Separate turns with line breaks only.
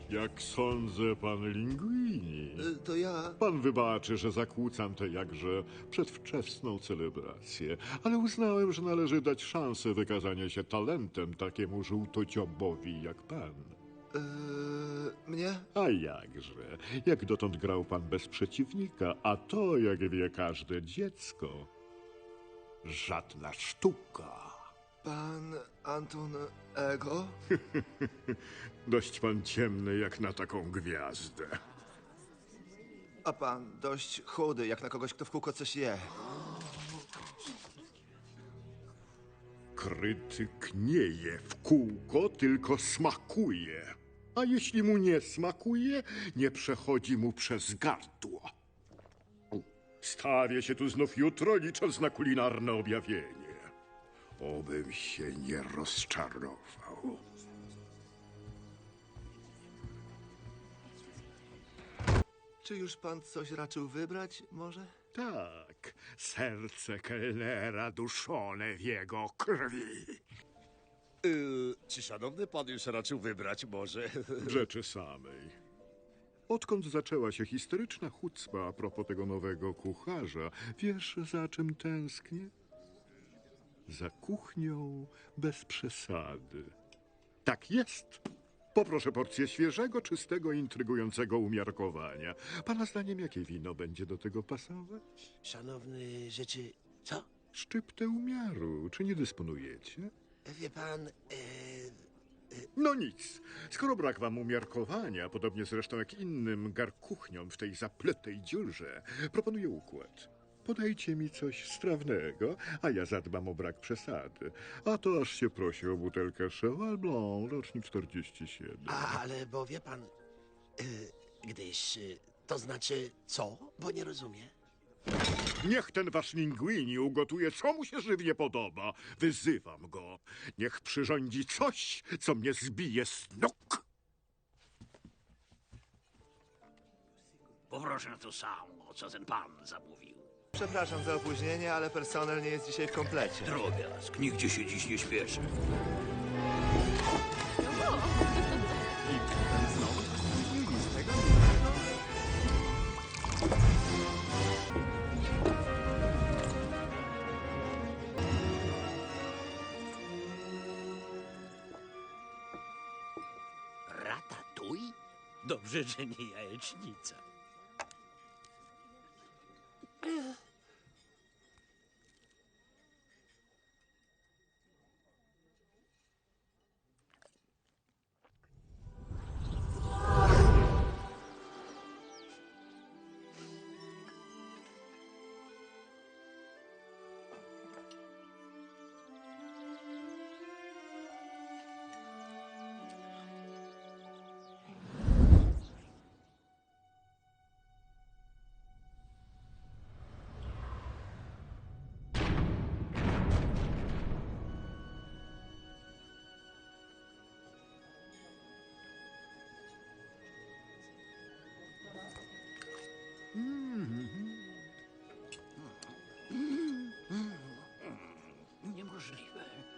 Jak sądzę, pan Linguini.
To ja...
Pan wybaczy, że zakłócam tę jakże przedwczesną celebrację, ale uznałem, że należy dać szansę wykazania się talentem takiemu żółtociobowi jak pan.
Mnie?
A jakże, jak dotąd grał pan bez przeciwnika, a to, jak wie każde dziecko, żadna sztuka.
Pan Anton Ego?
Dość pan ciemny jak na taką gwiazdę.
A pan dość chudy, jak na kogoś, kto w kółko coś je.
Krytyk nie je w kółko, tylko smakuje. A jeśli mu nie smakuje, nie przechodzi mu przez gardło. Stawię się tu znów jutro, licząc na kulinarne objawienie. Obym się nie rozczarował.
Czy już pan coś raczył wybrać, może?
Tak, serce kelnera duszone w jego krwi.
Czy szanowny pan już raczył wybrać może?
W rzeczy samej. Odkąd zaczęła się historyczna chucpa a propos tego nowego kucharza, wiesz, za czym tęsknię? Za kuchnią bez przesady. Tak jest. Poproszę porcję świeżego, czystego, intrygującego umiarkowania. Pana zdaniem, jakie wino będzie do tego pasować?
Szanowny rzeczy, co?
Szczyptę umiaru. Czy nie dysponujecie?
Wie pan,
No nic. Skoro brak wam umiarkowania, podobnie zresztą jak innym garkuchniom w tej zapletej dziurze, proponuję układ. Podajcie mi coś strawnego, a ja zadbam o brak przesady. A to aż się prosi o butelkę Cheval Blanc, rocznik 47.
ale bo wie pan, to znaczy co? Bo nie rozumie.
Niech ten wasz Linguini ugotuje, co mu się żywnie podoba. Wyzywam go. Niech przyrządzi coś, co mnie zbije z nóg.
Poproszę to samo, co ten pan zamówił.
Przepraszam za opóźnienie, ale personel nie jest dzisiaj w komplecie.
Drobiazg, nigdzie się dziś nie śpieszy. Ratatuj? Dobrze, że nie jajecznica.